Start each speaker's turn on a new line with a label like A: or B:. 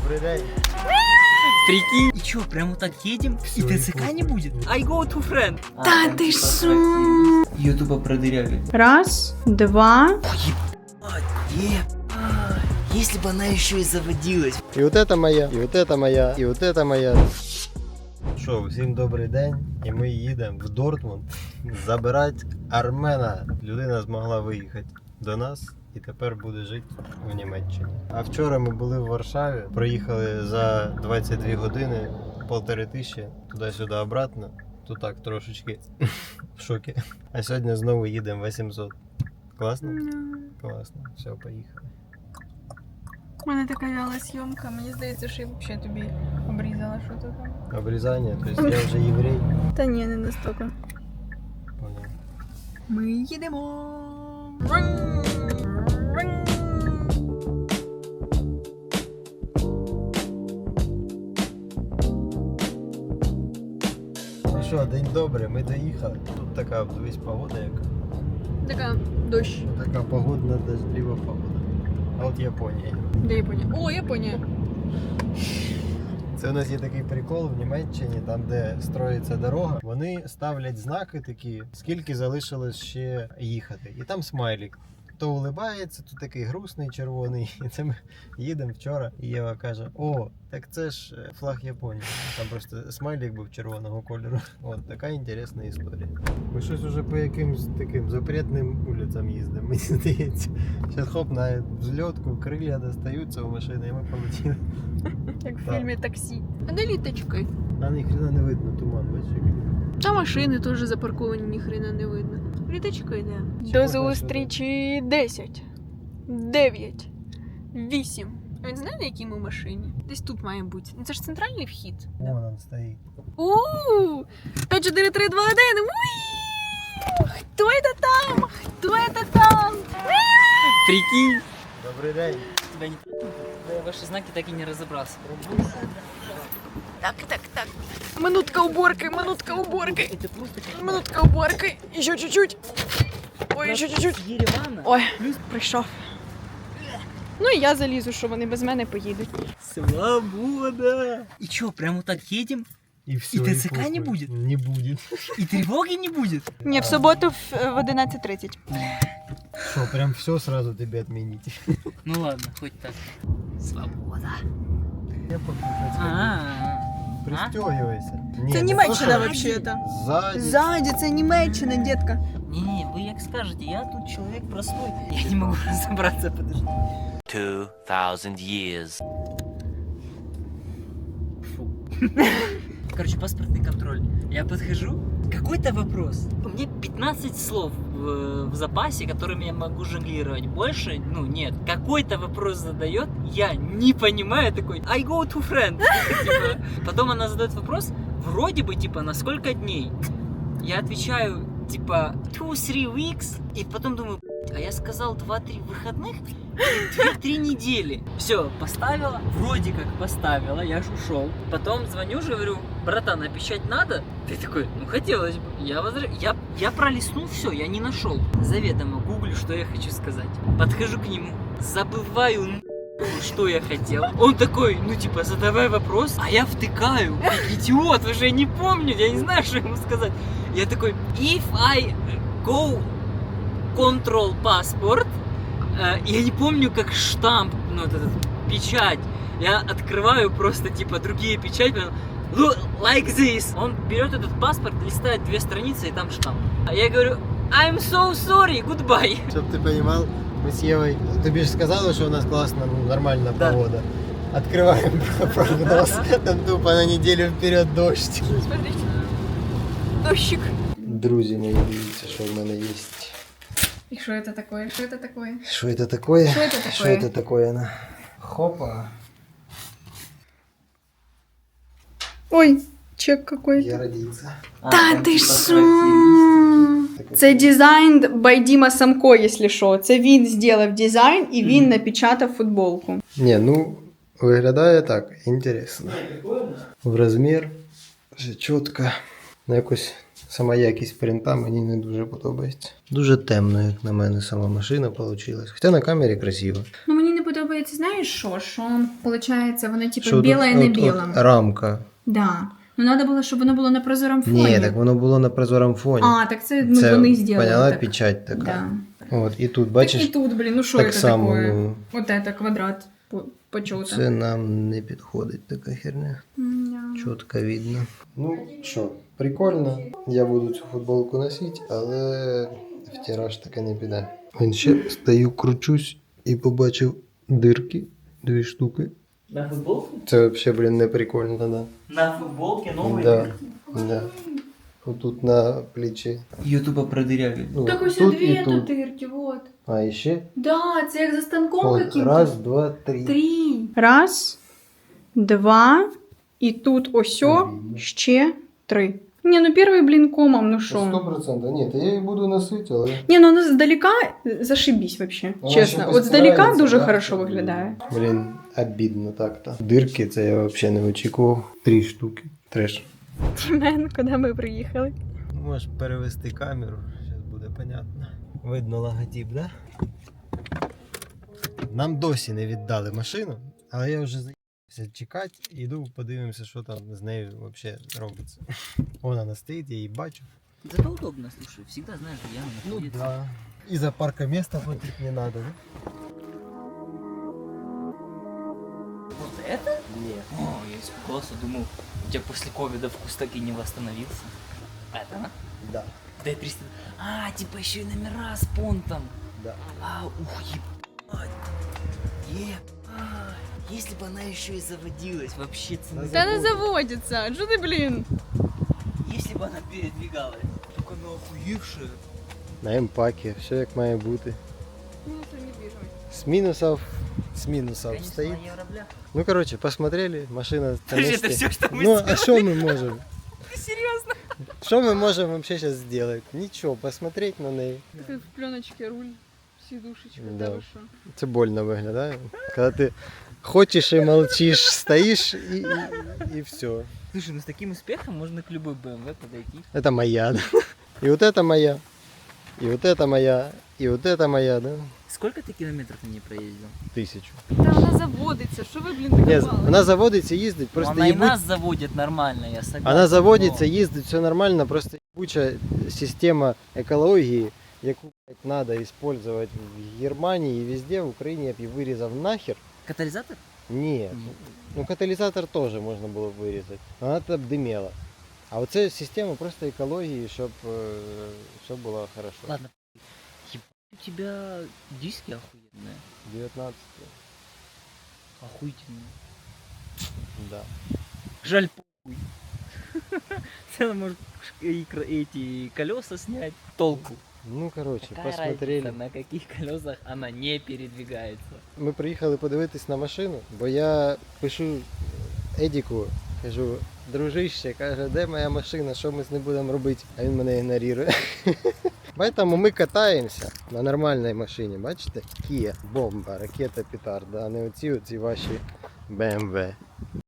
A: Добрый день.
B: Прикинь. И чё, прямо так едем? И ТЦК не будет? I go to friend.
C: Да ты шо?
B: Ютуба продырявили.
C: Раз, два.
B: Если бы она еще и заводилась.
A: И вот это моя, и вот это моя, и вот это моя. Що, всім добрий день. І ми їдемо в Дортмунд забирати Армена. Людина змогла виїхати до нас і тепер буде жити в Німеччині. А вчора ми були в Варшаві, проїхали за 22 години, 1500 туди-сюди обратно. Тут так трошечки в шокі. А сьогодні знову їдемо 800. Класно? Класно. Все, поїхали.
C: У мене така вяла зйомка, мені здається, що я взагалі тобі обрізала щось там.
A: Обрізання, тобто я вже єврей.
C: Та ні, не настільки.
A: Понял.
C: Ми їдемо.
A: Ну що, день добрий, ми доїхали. Тут така, дивись, погода яка.
C: Така дощ.
A: Така погодна, дождлива погода. А от Японія.
C: Де Японія? О, Японія.
A: Це у нас є такий прикол в Німеччині, там де строїться дорога, вони ставлять знаки такі, скільки залишилось ще їхати. І там смайлик. То улибається, то такий грустний, червоний. І це ми їдемо вчора, і Єва каже: о, так це ж флаг Японії. Там просто смайлик був червоного кольору. От така інтересна історія. Ми щось уже по якимсь таким запретним вулицям їздимо, мені здається. Зараз хоп, на взльотку, крилля достаються у машини, і ми полетіли.
C: Як в
A: Так.
C: фільмі «Таксі». А де літочки?
A: А ніхрена не видно, туман, бачиш, який.
C: Та машини теж запарковані, ніхрена не видно. Літочки, де?
A: Чи
C: До
A: можна
C: зустрічі 10, 9, 8. А він знає, на якій ми машині? Десь тут має бути. Ну це ж центральний вхід.
A: Вон он стоїть.
C: Ууу! 5, 4, 3, 2, 1. Уи! Хто це там? Хто це там?
B: Прикинь.
A: Добрий день.
B: Тебя не... Ваши знаки так и не разобрался.
C: Так. Минутка уборки, минутка уборки.
B: Это просто как
C: Минутка уборки. Еще чуть-чуть. Ой, ще чуть-чуть.
B: Еревана.
C: Ой, прийшов. Ну і я залізу, що вони без мене поїдуть.
B: Свобода. И чё, прямо так едем?
A: И все.
B: И ТЦК не будет?
A: Не будет.
B: И тревоги не будет?
C: Ні, в суботу в 11:30.
A: Что, прям все сразу тебе отменить?
B: Ну ладно, хоть так. Свобода.
A: Я Пристегивайся.
C: Це Німеччина взагалі-то.
A: Сзади.
C: Ззаді, це Німеччина, дітка.
B: Не, вы как скажете, я тут человек простой. Я не могу разобраться, подожди.
D: 2000 years.
B: Фу. Короче, паспортный контроль. Я подхожу, какой-то вопрос. У меня 15 слов в запасе, которыми я могу жонглировать. Больше, ну нет. Какой-то вопрос задает, я не понимаю, такой, I go to friend. Типа, потом она задает вопрос, вроде бы, типа, на сколько дней? Я отвечаю, типа, 2-3 weeks, и потом думаю, а я сказал 2-3 выходных, 2-3 недели. Все, поставила, вроде как поставила, я ж ушел. Потом звоню же, говорю, братан, а печать надо? Ты такой, ну хотелось бы. Я пролистнул все, я не нашел. Заведомо гуглю, что я хочу сказать. Подхожу к нему, забываю что я хотел. Он такой, ну типа, задавай вопрос, а я втыкаю. Как идиот, уже не помню, я не знаю, что ему сказать. Я такой, if I go control passport, я не помню, как штамп, ну вот этот, печать. Я открываю просто типа другие печати, like this. Он берет этот паспорт, листает 2 страницы и там штамп. А я говорю, I'm so sorry, goodbye.
A: Чтоб ты понимал, мы с Евой, ты же сказала, что у нас классно, ну, нормальная
B: Да.
A: погода. Открываем прогноз, там тупо на неделю вперед дождь.
C: Смотрите. Дощик.
A: Друзі мої, дивіться, що в мене є.
C: І що це таке? Що це таке?
A: Що це таке?
C: Що це таке?
A: Що це таке? На? Хопа.
C: Ой, чек какой-то.
A: Я родився.
C: Та ти що? Це дизайн by Діма Самко, якщо що. Це він зробив дизайн і він напечатав футболку.
A: Не, ну, виглядає так, інтересно. В розмір, все чітко. Ну, якось Сама якість принта мені не дуже подобається. Дуже темно, як на мене, сама машина вийшла. Хоча на камері красиво.
C: Ну мені не подобається, знаєш що? Що, виходить, воно типу
A: Що
C: біле і
A: тут
C: не
A: от
C: біле.
A: рамка.
C: Да. Ну треба було, щоб воно було на прозорому фоні.
A: Ні, так воно було на прозорому фоні.
C: А, так це, ну,
A: Це,
C: вони зробили.
A: поняла,
C: так.
A: печать така.
C: Да.
A: От, і тут, бачиш,
C: Так і тут, блін, ну що
A: так
C: це
A: само,
C: таке?
A: ну,
C: Вот это квадрат почота.
A: це нам не підходить така херня.
C: Да.
A: Чітко видно. Ну що, прикольно. Я буду цю футболку носити, але в тираж таке не піде. Він ще стою, кручусь і побачив дирки, 2 штуки.
B: На футболке?
A: Це взагалі, блін, не прикольно, да.
B: На футболке новый?
A: Да, да. Отут на плечі.
B: Ее тупо продырявили.
A: Ну,
C: Так ось
A: тут
C: дві
A: і тут.
C: дирки, вот.
A: А, і ще?
C: Да, це як за станком
A: От,
C: каким-то.
A: раз, два, три.
C: 3. Раз, 2, і тут осьо ще 3. Ні, ну перший, блін, комом, ну що?
A: 100%. Ні, то я її буду носити, але...
C: Ні, ну воно здалека зашибісь вообще,
A: Вона
C: чесно.
A: ще
C: От здалека
A: постирається,
C: дуже
A: да?
C: хорошо виглядає.
A: Блін, обідно так-то. Дирки це я взагалі не очікував. 3 штуки. Треш.
C: Тімен, куди ми приїхали?
A: Можеш перевести камеру, зараз буде понятно. Видно логотип, да? Нам досі не віддали машину, але я вже заїхався чекати, іду подивимося, що там з нею взагалі робиться. Вона стоїть, я її бачу.
B: Зато удобно, слушай, всегда знаешь, где она
A: Ну
B: находится.
A: да. И за паркоместа платить не надо, да?
B: Вот это?
A: Нет.
B: О, я испугался, думал, у тебя после ковида вкус так и не восстановился. А это она?
A: Да.
B: Д-300. А, типа еще и номера с понтом.
A: Да.
B: А, ух, ебать. Если бы она еще и заводилась, вообще цена.
C: Та не заводиться, що ти, блін?
B: Если бы она передвигалась. Только она охуевшая.
A: На емпакі, все як має бути.
C: Ну, це недвіжимость.
A: С минусов
B: Конечно,
A: стоит.
B: на евроблях.
A: Ну, короче, посмотрели, машина на
B: Подожди,
A: месте.
B: это все, что мы
A: Ну,
B: сделали?
A: а что мы можем?
B: Ты серьезно?
A: Что мы можем вообще сейчас сделать? Ничего, посмотреть на неї.
C: Такий в пленочці руль, сідушечка,
A: Да.
C: та ви що?
A: Це больно виглядає. Коли ти хочеш і молчиш, стоїш і все.
B: Слушай, ну с таким успехом можно к любой BMW подойти.
A: Это моя, да? И вот это моя. И вот это моя. И вот это моя, да?
B: Сколько ты километров на ней проездил?
A: 1000.
C: Та вона заводиться, що ви, блін,
A: Ні,
C: докопали?
A: вона заводиться, їздить,
B: Ну,
A: просто
B: она и
A: ебуть-
B: нас заводит нормально, я согласен.
A: Вона заводиться,
B: но-
A: їздить, все нормально, просто ебуча система екології, яку треба використовувати в Германії і везде, в Україні я б її вирізав нахер.
B: Катализатор?
A: Ні. Ну каталізатор теж можна було б вирізати. Вона б димела. А оце система просто екології, щоб було хорошо.
B: Ладно. Ебать, у тебя диски охуенные.
A: 19.
B: Охуительные.
A: Да.
B: Жаль, похуй. Ты можешь эти колеса снять. Толку.
A: Ну коротше,
B: Какая
A: посмотрели.
B: разница, на каких колесах она не передвигается.
A: Ми приїхали подивитись на машину, бо я пишу Едіку, кажу, дружище, каже, де моя машина, що ми з ним будемо робити? А він мене ігнорує. Поэтому ми катаємося на нормальній машині, бачите? Kia, бомба, ракета, петарда, а не оці ваші BMW.